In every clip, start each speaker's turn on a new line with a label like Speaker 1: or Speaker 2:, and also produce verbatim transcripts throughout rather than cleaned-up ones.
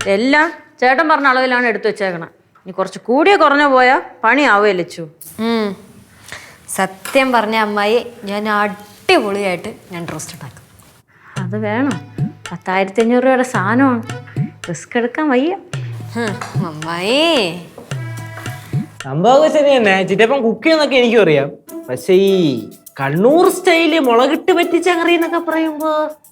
Speaker 1: എല്ലാം ചേട്ടൻ പറഞ്ഞ അളവിലാണ് എടുത്തു വെച്ചേക്കണം. ഇനി കുറച്ച് കൂടിയ കുറഞ്ഞ പോയാൽ പണിയാവേ ലച്ചു.
Speaker 2: സത്യം പറഞ്ഞ അമ്മായി, ഞാൻ അടിപൊളിയായിട്ട് ഞാൻ റോസ്റ്റ് ഉണ്ടാക്കും.
Speaker 1: അത് വേണം. പത്തായിരത്തി അഞ്ഞൂറ് രൂപയുടെ സാധനമാണ്. റിസ്ക് എടുക്കാൻ വയ്യ.
Speaker 2: അമ്മായി
Speaker 3: സംഭവം ശരി തന്നെ. ചിറ്റപ്പം കുക്ക് ചെയ്യുന്നൊക്കെ എനിക്കും അറിയാം. പക്ഷെ ഈ കണ്ണൂർ സ്റ്റൈല് മുളകിട്ട് പറ്റിച്ച കറി എന്നൊക്കെ പറയുമ്പോ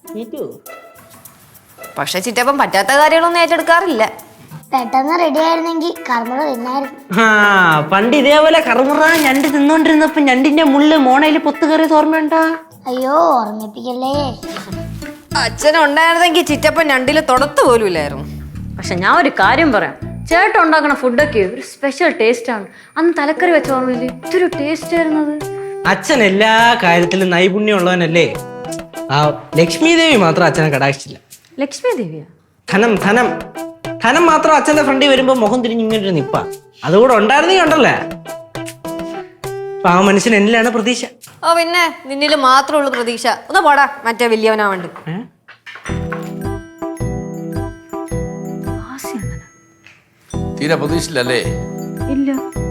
Speaker 2: പക്ഷെ ചിറ്റപ്പം പറ്റാത്ത കാര്യങ്ങളൊന്നും ഏറ്റെടുക്കാറില്ല.
Speaker 4: പെട്ടെന്ന് റെഡി ആയിരുന്നെങ്കിൽ കർമ്മ തിന്നായിരുന്നു.
Speaker 3: ആ പണ്ട് ഇതേപോലെ കറുമുറ ഞണ്ട് തിന്നോണ്ടിരുന്നപ്പോ ഞണ്ടിന്റെ മുള്ള് മോണയില് പൊത്ത് കയറിയത് ഓർമ്മയുണ്ടാ?
Speaker 4: അയ്യോ ഓർമ്മിപ്പിക്കല്ലേ.
Speaker 2: അച്ഛനുണ്ടായിരുന്നെങ്കിൽ ചിറ്റപ്പൻ രണ്ടില് തൊടത്ത് പോലും ഇല്ലായിരുന്നു.
Speaker 1: പക്ഷെ ഞാൻ ഒരു കാര്യം പറയാം, ചേട്ടൻ ഉണ്ടാക്കുന്ന ഫുഡൊക്കെ ഒരു സ്പെഷ്യൽ ടേസ്റ്റ് ആണ്. അന്ന് തലക്കറി വെച്ച ഓർമ്മയില്ലേ ഇതൊരു ടേസ്റ്റ് ആയിരുന്നത്.
Speaker 3: അച്ഛൻ എല്ലാ കാര്യത്തിലും നൈപുണ്യം ഉള്ളവനല്ലേ. ആ ലക്ഷ്മി ദേവി മാത്രം അച്ഛനെ കടാക്ഷിച്ചില്ല.
Speaker 1: ലക്ഷ്മി ദേവിയാ?
Speaker 3: ധനം ധനം ധനം മാത്രം അച്ഛന്റെ ഫ്രണ്ടിൽ വരുമ്പോ മുഖം തിരിഞ്ഞ് ഇങ്ങനെ നിപ്പ. അതുകൂടെ ഉണ്ടായിരുന്നെങ്കിൽ ഉണ്ടല്ലേ ആ മനുഷ്യൻ എന്നിലാണ് പ്രതീക്ഷ.
Speaker 2: ഓ പിന്നെ നിന്നില് മാത്രമേ ഉള്ളൂ പ്രതീക്ഷ. ഒന്ന് പോടാ മറ്റേ വലിയവനാവണ്ട്.
Speaker 5: തീരെ പ്രതീക്ഷയില്ലല്ലേ?
Speaker 1: ഇല്ല.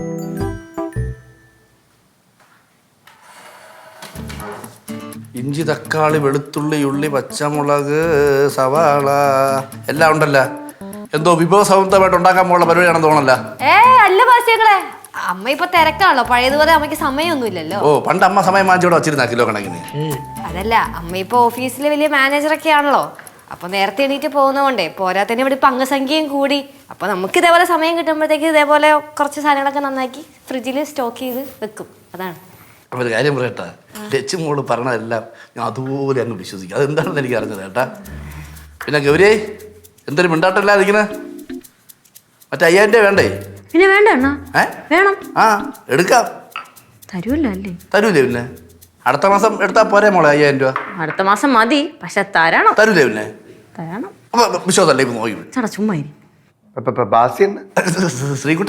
Speaker 5: ഇഞ്ചി, തക്കാളി, വെളുത്തുള്ളി, ഉള്ളി, പച്ചമുളക്, സവാള എല്ലാം ഉണ്ടല്ലോ. എന്തോ വിഭവസമൃദ്ധമായിട്ട് ഉണ്ടാക്കാൻ പോലുള്ള പരിപാടിയാണെന്ന് തോന്നല്ല.
Speaker 2: ഏ അല്ല ബാസ്യങ്ങളെ, അമ്മ ഇപ്പൊ തിരക്കാണല്ലോ. പഴയതുപോലെ അമ്മയ്ക്ക് സമയമൊന്നും ഇല്ലല്ലോ.
Speaker 5: ഓ പണ്ട് അമ്മ സമയം വാങ്ങിച്ചോടെ വച്ചിരുന്ന കിലോ കണക്കിന്.
Speaker 2: അതല്ല, അമ്മ ഇപ്പൊ ഓഫീസിലെ വലിയ മാനേജറൊക്കെ ആണല്ലോ. അപ്പൊ നേരത്തെ എണീറ്റ് പോകുന്നതുകൊണ്ടേ പോരാത്തന്നെ ഇവിടെ ഇപ്പൊ അംഗസംഖ്യയും കൂടി. അപ്പൊ നമുക്ക് ഇതേപോലെ സമയം കിട്ടുമ്പോഴത്തേക്ക് ഇതേപോലെ കുറച്ച് സാധനങ്ങളൊക്കെ നന്നാക്കി ഫ്രിഡ്ജിൽ സ്റ്റോക്ക് ചെയ്ത് വെക്കും. അതാണ്.
Speaker 5: അപ്പൊ ഒരു കാര്യം പറയട്ടാ, ലച്ചു മോള് പറഞ്ഞതെല്ലാം ഞാൻ അതുപോലെ അങ്ങ് വിശ്വസിക്കും. അതെന്താണെന്ന് എനിക്ക് അറിഞ്ഞത് കേട്ടാ. പിന്നെ ഗൗരി എന്തൊരു മിണ്ടാട്ടല്ലാതിരിക്കണേ. മറ്റേ അയ്യായിരം രൂപ വേണ്ടേ?
Speaker 1: പിന്നെ വേണ്ട അണ്ണാ.
Speaker 5: ഏ
Speaker 1: വേണം.
Speaker 5: ആ എടുക്കാം.
Speaker 1: തരൂല്ലോ അല്ലേ?
Speaker 5: തരൂലേ പിന്നെ? അടുത്ത മാസം എടുത്താ പോരെ മോളെ അയ്യായിരം രൂപ?
Speaker 1: അടുത്ത മാസം മതി, പക്ഷെ തരണം.
Speaker 5: തരൂലേ പിന്നെ?
Speaker 1: തരണം.
Speaker 5: അപ്പൊ വിശ്വാസല്ലേ ഇപ്പൊ നോക്കി
Speaker 1: ചേട്ടാ ചുമ്മാ ഇരി.
Speaker 5: ശ്രീകുട്ട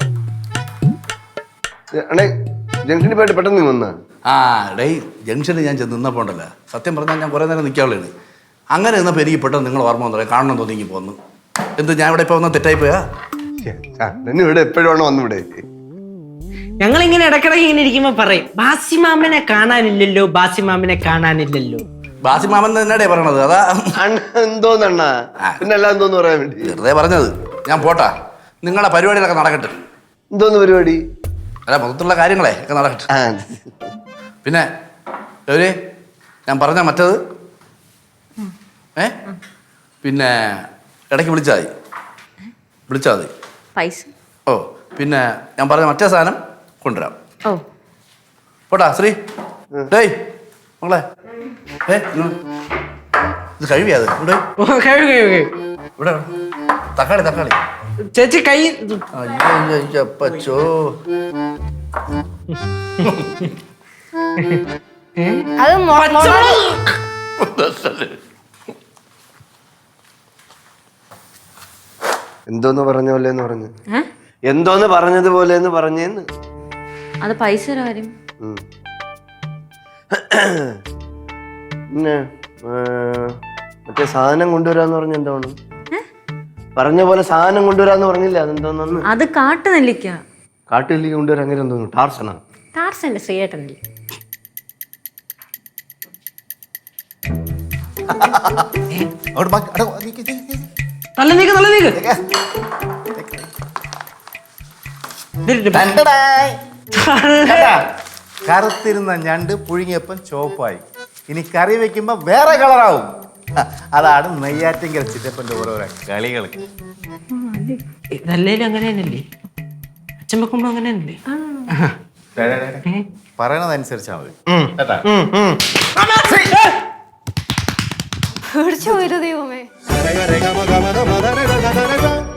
Speaker 6: ജംഗ്ഷനിൽ പോയിട്ട് പെട്ടെന്ന് വന്ന
Speaker 5: ആ ഡേ ജംഗ്ഷനിൽ ഞാൻ ചെന്ന് നിന്നപ്പോ ഉണ്ടല്ലോ, സത്യം പറഞ്ഞാൽ ഞാൻ കുറെ നേരം നിൽക്കാനുള്ളതാണ്. അങ്ങനെ നിന്നപ്പോൾ എനിക്ക് പെട്ടെന്ന് നിങ്ങൾ ഓർമ്മ വന്നു, കാണണം തോന്നി പോന്നു. എന്ത് ഞാൻ ഇവിടെ ഇപ്പൊ വന്ന തെറ്റായി പോയാ?
Speaker 6: ഇവിടെ എപ്പോഴാണോ വന്നിവിടെ?
Speaker 3: ഞങ്ങളിങ്ങനെ ഇടക്കിടക്ക് ഇങ്ങനെ ഇരിക്കുമ്പോ പറയും ബാസിമാമനെ കാണാനില്ലല്ലോ, ബാസിമാമനെ കാണാനില്ലല്ലോ.
Speaker 5: ബാസിമാമൻ തന്നെയാടേ പറയണത്. അതാ
Speaker 6: എന്തോന്നണ്ണ പിന്നെ അല്ല എന്തോന്ന് പറയാൻ വേണ്ടി
Speaker 5: വെറുതെ പറഞ്ഞത്. ഞാൻ പോട്ടാ, നിങ്ങളുടെ പരിപാടികളൊക്കെ നടക്കട്ടെ.
Speaker 6: എന്തോന്ന് പരിപാടി?
Speaker 5: അല്ല മൊത്തത്തിലുള്ള കാര്യങ്ങളെ ഒക്കെ നടക്കട്ടെ. പിന്നെ ഒരു ഞാൻ പറഞ്ഞ മറ്റത് ഏ പിന്നെ ഇടയ്ക്ക് വിളിച്ചാൽ മതി, വിളിച്ചാൽ മതി
Speaker 1: പൈസ.
Speaker 5: ഓ പിന്നെ ഞാൻ പറഞ്ഞ മറ്റേ സാധനം കൊണ്ടുവരാം.
Speaker 1: ഓ
Speaker 5: പോട്ടാ ശ്രീ. ഡേയ് മകളെ ഏ ഇത് കഴിവിയാത് ഇവിടെ ഇവിടെ തക്കാളി തക്കാളി
Speaker 3: ചേച്ചി കൈ
Speaker 5: അപ്പച്ചോ.
Speaker 2: അത്
Speaker 6: എന്തോന്ന് പറഞ്ഞ പോലെന്ന് പറഞ്ഞു. എന്തോന്ന് പറഞ്ഞതുപോലെ എന്ന് പറഞ്ഞേന്ന്.
Speaker 1: അത് പൈസ കാര്യം.
Speaker 6: പിന്നെ മറ്റേ സാധനം കൊണ്ടുവരാന്ന് പറഞ്ഞ എന്താണ് പറഞ്ഞ പോലെ സാധനം കൊണ്ടുവരാന്ന് പറഞ്ഞില്ല? അതെന്തോന്നു?
Speaker 1: അത് കാട്ടു നെല്ലിക്ക.
Speaker 6: കാട്ടുനെല്ലിക്ക കൊണ്ടുവരാൻ അങ്ങനെ എന്തോന്നു? ടാർസനാ?
Speaker 1: ടാർസന്റെ ശ്രീയേട്ടനല്ലേ?
Speaker 3: നല്ല നീക്ക് നല്ല നീക്ക്.
Speaker 7: കറുത്തിരുന്ന ഞണ്ട് പുഴുങ്ങിയപ്പം ചോപ്പായി. ഇനി കറി വെക്കുമ്പോ വേറെ കളറാവും. അതാണ് നെയ്യാറ്റിൻകര ചിറ്റപ്പന്റെ ഓരോരോ കളികൾ.
Speaker 3: ഇതല്ലേലും അങ്ങനെ തന്നെയല്ലേ? അച്ഛൻ വെക്കുമ്പോ അങ്ങനെ തന്നെയല്ലേ?
Speaker 7: പറയണതനുസരിച്ചാ മതി.
Speaker 2: പേടിച്ചു പോയത് ദൈവമേ.